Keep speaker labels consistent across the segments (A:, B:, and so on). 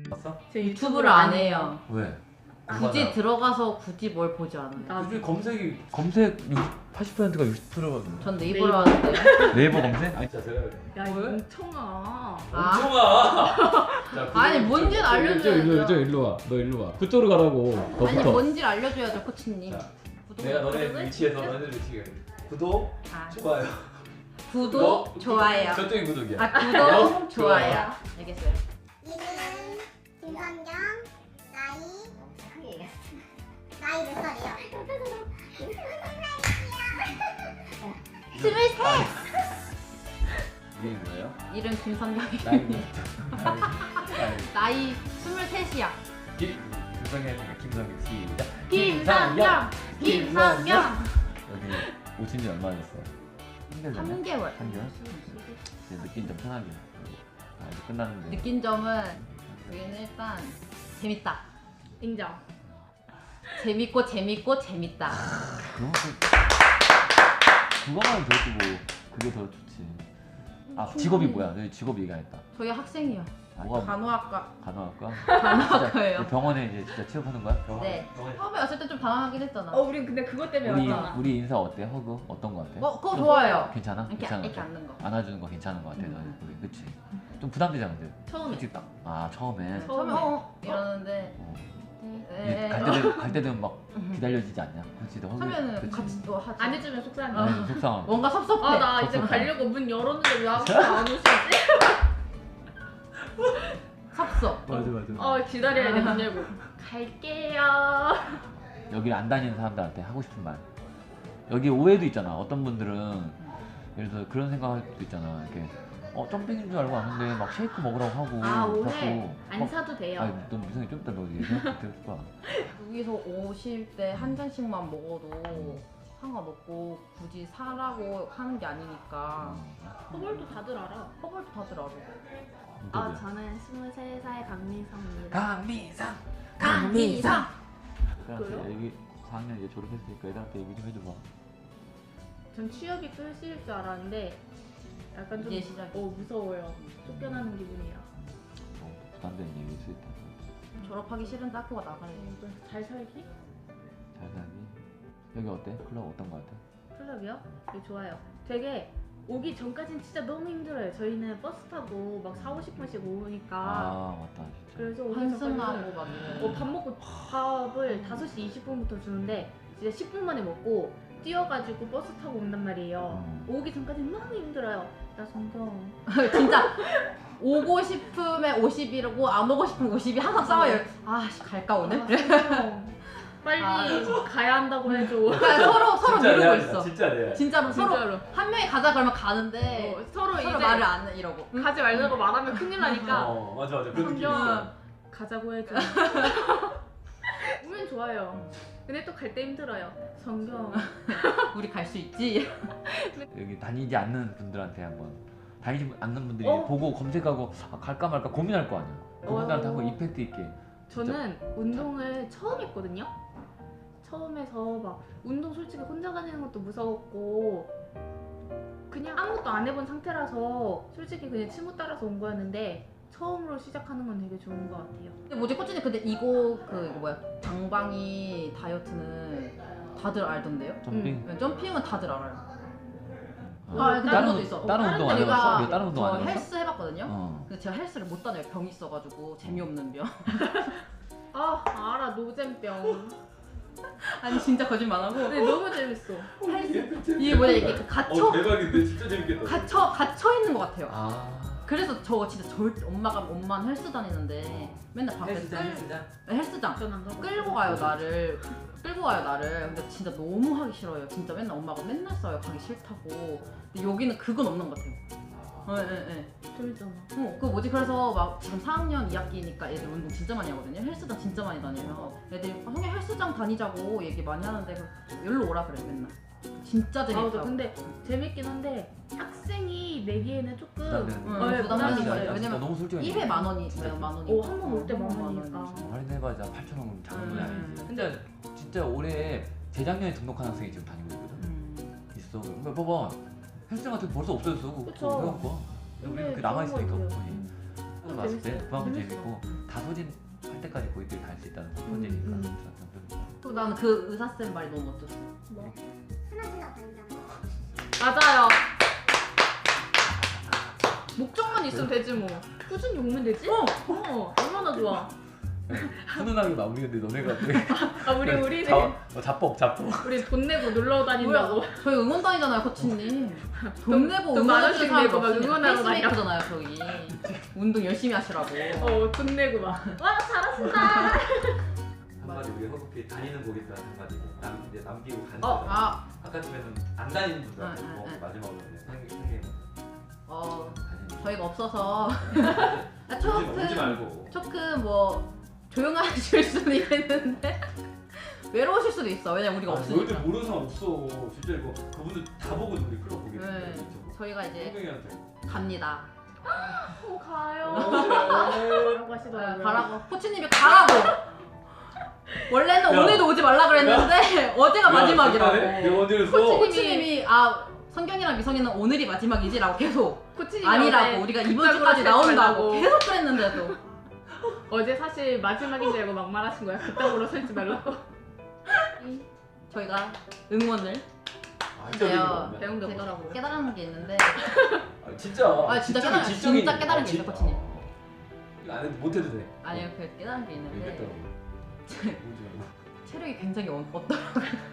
A: 봤어?
B: 제
C: 유튜브를 안 해요.
A: 왜?
C: 굳이 들어가서 굳이 뭘 보지 않아요.
A: 요즘 검색 80%가 60%거든.
C: 전 네이버로 하는데.
A: 네이버 검색? 아니 진짜 제가
B: 야 이거 멍청아.
A: 멍청아.
C: 아니 뭔지는 알려줘야죠.
D: 일로 와. 너 일로 와. 그쪽으로 가라고.
C: 아니
D: 너부터.
C: 뭔지를 알려줘야죠 코치님.
A: 자,
C: 구독,
A: 내가 너네
C: 구독을?
A: 위치에서 너네들 위치에 구독,
C: 아,
A: 좋아요.
C: 구독, 좋아요.
A: 저쪽이 구독이야.
C: 아 구독, 좋아요. 알겠어요.
E: 이름은 김선경, 나이 몇 살이요?
C: 23!
A: 이름이 뭐예요?
C: 이름 김선경이.
A: 나이.
C: 나이 23이야.
A: 김성현이니까 김성현 시작.
C: 김선경!
A: 여기 오신 지 얼마 됐어?
C: 3개월.
A: 3개월? 이제 느낀 점 편하게. 아 이제 끝났는데.
C: 느낀 점은 여기는 일단 재밌다.
B: 인정.
C: 재밌고 재밌다.
A: 그거만 들어도 뭐 그게 더 좋지. 아 직업이 뭐야? 너희 직업 얘기 안 했다.
C: 저희 학생이요.
A: 뭐가
C: 간호학과.
A: 간호학과?
C: 간호학과예요.
A: 진짜 병원에 이제 진짜 취업하는 거야?
C: 네. 처음에 왔을 때 좀 당황하긴 했잖아.
B: 우린 근데 그것 때문에 왔잖아.
A: 우리 인사 어때? 허그 어떤 거 같아?
C: 그거 좋아요.
A: 괜찮아?
C: 이렇게
A: 괜찮은 거
C: 이렇게
A: 같아?
C: 앉는 거.
A: 안아주는 거 괜찮은 거 같아. 너희 우리 그치? 좀 부담되잖아 근데.
B: 처음에.
A: 솔직히 딱. 아 처음에.
C: 처음에 이러는데
A: 갈 때는 막 기다려지지 않냐? 그렇지.
C: 하면은
A: 그치?
C: 같이 또 하지.
B: 안 해주면 속상해.
A: 아니, 속상하고.
C: 뭔가 섭섭해.
B: 아 나 이제
A: 섭섭해.
B: 가려고 문 열었는데 왜 아무도 안 오시지?
C: 섭섭.
A: 맞아.
B: 기다려야 돼 문 열고. 갈게요.
A: 여기 안 다니는 사람들한테 하고 싶은 말. 여기 오해도 있잖아. 어떤 분들은 예를 들어 그런 생각할 수도 있잖아. 이렇게 점핑인 줄 알고 왔는데 막 쉐이크 먹으라고 하고.
B: 아 오해.
A: 자꾸
B: 안
A: 막-
B: 사도 돼요.
A: 아니 넌 미성이 좀 이따 너 얘기할 거야.
C: 여기서 오실 때 한 잔씩만 먹어도 상관없고 굳이 사라고 하는 게 아니니까.
B: 허벌도 다들 알아.
C: 허벌도 다들 알아.
E: 저는 23살 강민성입니다.
A: 강미상.
C: 강미상.
A: 애들한테 여기 4학년 이제 졸업했으니까 애들한테 얘기 좀 해줘봐.
B: 전 취업이 끝일 줄 알았는데 약간 좀
C: 이제 시작이.
B: 무서워요. 쫓겨나는 기분이라.
A: 부담되는 얘기일 수 있다.
C: 졸업하기 싫은데 학교가 나가야 돼.
B: 잘 살기?
A: 잘 살기. 여기 어때? 클럽 어떤 거 같아?
B: 클럽이요? 네, 좋아요. 되게 오기 전까진 진짜 너무 힘들어요. 저희는 버스 타고 막 4, 50분씩 오니까
A: 아 맞다 진짜.
B: 그래서 오기
C: 환승하고
B: 전까지는
C: 막 이래.
B: 밥 먹고 밥을 5시 20분부터 주는데 진짜 10분 만에 먹고 뛰어가지고 버스 타고 온단 말이에요. 오기 전까지는 너무 힘들어요. 나 성경.
C: 진짜 오고 싶으면 50이라고 안 오고 싶으면 50이 항상 싸워요. 아씨 갈까 오늘?
B: 성경. 빨리 가야 한다고 해줘.
C: 그러니까 서로 미루고 있어.
A: 진짜 레알.
C: 진짜로 서로
B: 진짜로.
C: 한 명이 가자 그러면 가는데
B: 서로 이제
C: 말을 안 해 이러고.
B: 가지 말라고 말하면 큰일 나니까
A: 맞아 그런 느낌
B: 성경아
A: 있어.
B: 가자고 해줘. 오면 좋아요. 근데 또 갈 때 힘들어요. 성경.
C: 우리 갈 수 있지.
A: 여기 다니지 않는 분들한테 한번 다니지 않는 분들이
B: 어?
A: 보고 검색하고 갈까 말까 고민할 거 아니야. 그분들한테 한번 이펙트 있게.
B: 저는 운동을 처음 했거든요. 처음 해서 막 운동 솔직히 혼자 다니는 것도 무서웠고 그냥 아무것도 안 해본 상태라서 솔직히 그냥 친구 따라서 온 거였는데 처음으로 시작하는 건 되게 좋은 것 같아요.
C: 근데 뭐지 코치님 근데 이거 뭐야 방방이 다이어트는 다들 알던데요?
A: 점핑.
C: 점핑은 다들 알아요.
B: 다른
C: 다른 것도
A: 운-
C: 있어.
A: 다른 운동 안
C: 제가
A: 해봤어? 이거 다른 운동 안
C: 저
A: 해봤어?
C: 헬스 해봤거든요.
A: 어.
C: 근데 제가 헬스를 못 다녀요. 병이 있어가지고 재미없는 병.
B: 아 알아 노잼병.
C: 아니 진짜 거짓말 안 하고
B: 근데 너무 재밌어.
C: 헬스 이게 뭐야 이게 갇혀
A: 대박인데 진짜 재밌겠다.
C: 갇혀 있는 것 같아요.
A: 아.
C: 그래서 저 진짜 절대 엄마는 헬스 다니는데 맨날 밖에서 헬스장
B: 전 안 가고.
C: 끌고 가요 나를. 근데 진짜 너무 하기 싫어요. 진짜 맨날 엄마가 맨날 써요 가기 싫다고. 근데 여기는 그건 없는 것 같아요. 네.
B: 재밌잖아.
C: 그 뭐지 그래서 막 지금 4학년 2학기니까 애들 운동 진짜 많이 하거든요. 헬스장 진짜 많이 다녀요. 애들이 형이 헬스장 다니자고 얘기 많이 하는데 여기로 오라 그래 맨날. 진짜
B: 맞아.
C: 재밌다고.
B: 근데 재밌긴 한데 학생이 내기에는 조금
C: 부담되는
B: 부담이
C: 거죠.
B: 있어요.
C: 왜냐면
A: 너무 솔직히
C: 1회 만 원이 만 원이.
B: 한 번 올 때 만 원이니까.
A: 할인해봐야 8,000원 작은 돈이 아니지. 진짜 올해 재작년에 등록한 학생이 지금 다니고 있거든. 있어. 그러니까 봐봐. 헬스 같은 거 벌써 없어졌어.
B: 그쵸.
A: 회원권.
B: 근데
A: 우리는 그 남아 있으니까.
B: 좋은 것
A: 봤을 때 그만큼
B: 재밌어요.
A: 재밌고 다 소진할 때까지 고객들이 다 할 수 있다는 첫 번째니까.
C: 또 나는 그 의사쌤 말이 너무 멋졌어.
E: 뭐? 하나 다니잖아.
B: 맞아요. 목적만 있으면 되지 뭐. 꾸준히 오면 되지? 얼마나 좋아.
A: 훈훈하게 마무리했는데 너네가
B: 아 우리는
A: 자뻑.
B: 우리 돈 내고 놀러 다닌다고.
C: 뭐야? 저희 응원 다니잖아요, 코치님. 돈 내고
B: 돈
C: 응원해
B: 만원씩
C: 주는 사람도
B: 내고 막
C: 없으니까
B: 응원하러 다녀.
C: 페이스메이커잖아요, 저희. 운동 열심히 하시라고.
B: 돈 내고 막. 와 잘하신다.
A: 한마디 우리 허브피 다니는 고객들한테 한마디 이제 남기고 가는
C: 어,
A: 거잖아. 아까쯤에는 안 다니는 분들한테
C: 응,
A: 뭐
C: 응, 응.
A: 마지막으로 상계
C: 저희가 없어서
A: 오지 말고.
C: 조금 뭐 조용하실 수는 있겠는데 외로우실 수도 있어. 왜냐면 우리가 없으니까.
A: 모르는 사람 없어. 진짜 이거 그분들 다 보고 우리 클럽 보겠어.
C: 네. 저희가 이제
A: 성경이한테.
C: 갑니다.
B: 가요. 라고 하시더라고요.
C: 가라고. 코치님이 가라고. 원래는
A: 야.
C: 오늘도 오지 말라 그랬는데 어제가 마지막이라고. 코치님이 성경이랑 미성이는 오늘이 마지막이지라고 계속
B: 코치님이
C: 아니라고
B: 어제
C: 우리가 이번
B: 그따구로
C: 주까지
B: 하지
C: 나온다고
B: 말라고.
C: 계속 그랬는데도
B: 어제 사실 마지막인 줄 알고 막말하신 거야. 그따구로 설지 말라고.
C: 저희가 응원을
A: 진짜요.
B: 배운 게
C: 제가
B: 없더라고요.
C: 깨달은 게 있는데
A: 진짜.
C: 진짜 깨달은 진짜 깨달은 게 있어요, 코치님.
A: 이거 안 해도 못해도 돼.
C: 아니요, 그 깨달은 게 있는데
A: 얘기했더라고.
C: 체력이 굉장히 없더라고요.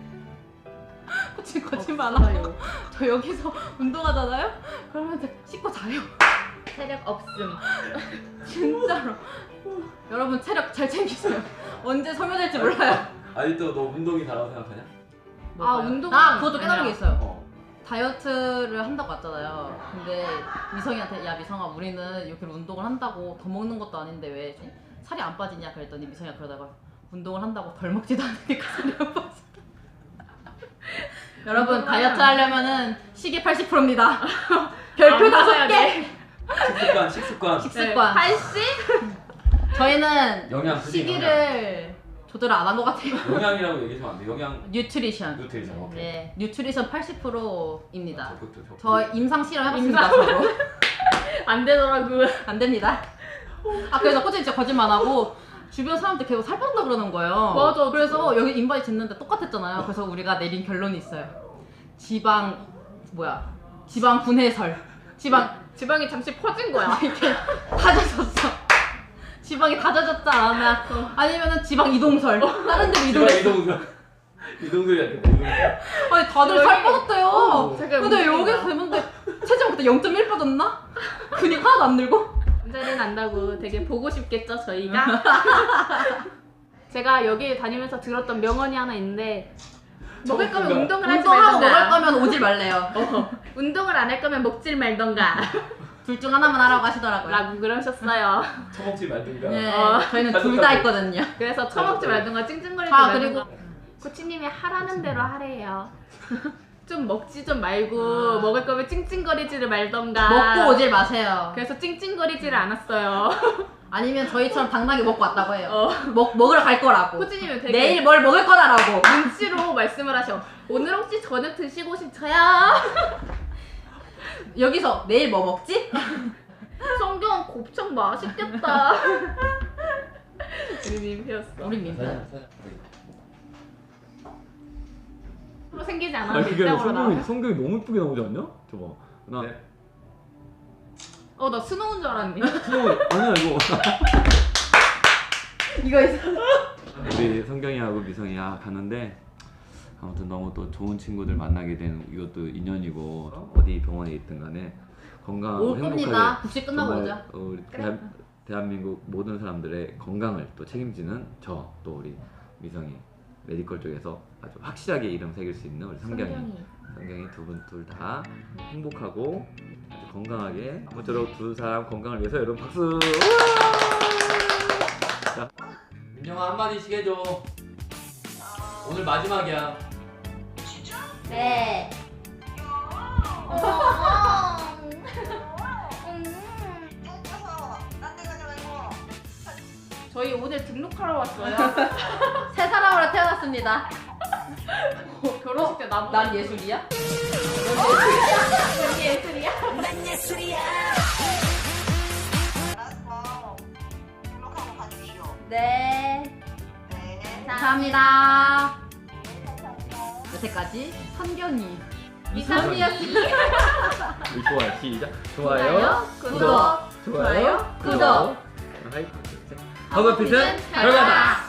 C: 코치님 거짓말 안 하고 저 여기서 운동하잖아요? 그러면 씻고 자요.
B: 체력 없음.
C: 진짜로. 여러분 체력 잘 챙기세요. 언제 소멸될지 몰라요.
A: 아직도 너 운동이 다라고 생각하냐?
B: 운동은
C: 그것도 깨달은 게 있어요.
A: 어.
C: 다이어트를 한다고 했잖아요. 근데 미성이한테 야 미성아 우리는 이렇게 운동을 한다고 더 먹는 것도 아닌데 왜 살이 안 빠지냐 그랬더니 미성이가 그러다가 운동을 한다고 덜 먹지도 않으니까 살이 안 빠져. 여러분 다이어트 하려면은 식이 80%입니다. 별표 5개.
A: 식습관.
C: 식습관.
B: 80?
C: 저희는
A: 영양 굳이
C: 시기를 조절을 안 한 것 같아요.
A: 영양이라고 얘기하면 안 돼. 영양
C: 뉴트리션.
A: 오케이.
C: 네, 뉴트리션 80%입니다.
A: 적극적.
C: 저 임상 실험 해봤습니다. 저도.
B: 안 되더라고.
C: 안 됩니다. 그래서 코치님 진짜 거짓말 안 하고 주변 사람들 계속 살 빠졌다 그러는 거예요.
B: 맞아.
C: 그래서 여기 인바디 쟀는데 똑같았잖아요. 그래서 우리가 내린 결론이 있어요. 지방 분해설.
B: 지방이 잠시 퍼진 거야.
C: 이렇게 다져졌어. 지방이 다져졌지 않았나? 아니면은 지방 이동설. 다른 데로 이동했어.
A: 이동설이 이동설.
C: 아니 다들 살 빠졌대요.
B: 잠깐
C: 근데
B: 문제가.
C: 여기서 되는데 체중 그때 0.1 빠졌나? 근육 하나도 안 늘고?
B: 자리 난다고 되게 보고 싶겠죠 저희가. 제가 여기 다니면서 들었던 명언이 하나 있는데 먹을 거면 운동을 하지
C: 운동하고 먹을
B: 말던가.
C: 거면 오질 말래요.
B: 운동을 안 할 거면 먹질 말던가.
C: 둘 중 하나만 하라고 하시더라고요.
B: 라고 그러셨어요.
A: 처먹지 말든가.
C: 네, 저희는 둘 다 있거든요.
B: 그래서 처먹지 말던가 찡찡거리지
C: 아,
B: 말던가. 코치님이 하라는 대로 하래요. 좀 먹지 좀 말고 먹을 거면 찡찡거리지를 말던가.
C: 먹고 오질 마세요.
B: 그래서 찡찡거리지를 않았어요.
C: 아니면 저희처럼 당당히 먹고 왔다고 해요. 먹으러 갈 거라고.
B: 코치님은 되게
C: 내일 뭘 먹을 거다라고.
B: 눈치로 말씀을 하셔. 오늘 혹시 저녁 드시고 싶어요?
C: 여기서 내일 뭐 먹지?
B: 성경 곱창 맛있겠다. 우리 민폐였어.
C: 우리 민폐.
B: 서로 생기지
D: 아니
B: 않았는데
D: 그게
B: 입장으로 나와.
D: 성경이 너무 이쁘게 나오지 않냐? 저봐. 나
A: 네.
B: 나 스노우인 줄 알았네.
D: 아니야 이거.
C: 이거 있어.
A: 우리 성경이하고 미성이야 가는데 아무튼 너무 또 좋은 친구들 만나게 된 이것도 인연이고 어디 병원에 있든 간에 건강하고
C: 올 겁니다.
A: 행복하게
C: 국시 끝나고
A: 정말
C: 오자.
A: 우리 대한민국 모든 사람들의 건강을 또 책임지는 저 또 우리 미성이 메디컬 쪽에서 아주 확실하게 이름 새길 수 있는 우리 성경이 두 분 둘 다 행복하고 아주 건강하게 아무쪼록 두 사람 건강을 위해서 여러분 박수. 자, 민영아 한마디씩 해줘. 오늘 마지막이야.
C: 네.
B: 저희 오늘 등록하러 왔어요.
C: 새 사람으로 태어났습니다.
B: 결혼식 때 나보다
C: 난 예술이야?
B: 여기 예술이야?
F: 알았어. 등록하러
C: 감사합니다. 여태까지 선경이 미선이었습니다.
A: 좋아요. 시작. 좋아요.
B: 구독,
A: 좋아요.
B: 좋아요,
A: 구독. 하이파이브. 허브핏은 결과다.